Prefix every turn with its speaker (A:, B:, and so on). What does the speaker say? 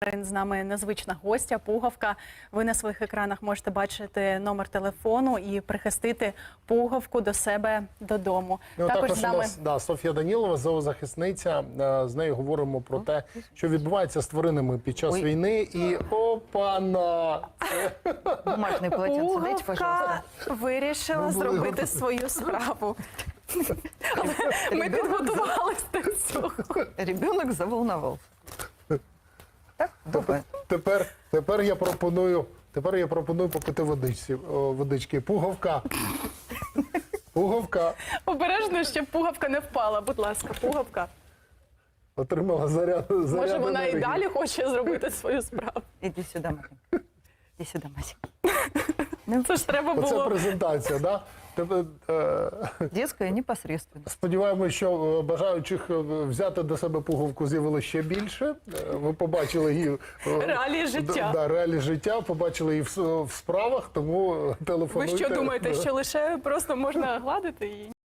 A: з нами незвична гостя, пугавка. Ви на своїх екранах можете бачити номер телефону і прихистити пугавку до себе додому.
B: Також з нами у нас Софія Данілова, зоозахисниця. З нею говоримо про те, що відбувається з тваринами під час війни. І опана!
C: Бумажный полотенце, дайте, пожалуйста.
A: Вирішила зробити свою справу. Ми підготувалися до цього.
C: Ребенок заволновался. Так, добре.
B: Тепер я пропоную попити водички. Пугавка. Пугавка.
A: Обережно, щоб пугавка не впала. Будь ласка, пугавка.
B: Отримала заряд
A: Може, вона і
B: енергії.
A: далі хоче зробити свою справу.
C: Иди сюда, Марин. Иди сюда, Масик.
A: Це ж треба
B: Оце
A: було.
B: презентація, да?
C: Детская непосредственно.
B: Сподіваємося, що бажаючих взяти до себе пуговку з'явилося ще більше. Ви побачили її
A: Реалії життя.
B: реалії життя, побачили її в справах, тому телефонуйте.
A: Ви що думаєте, що лише просто можна гладити її?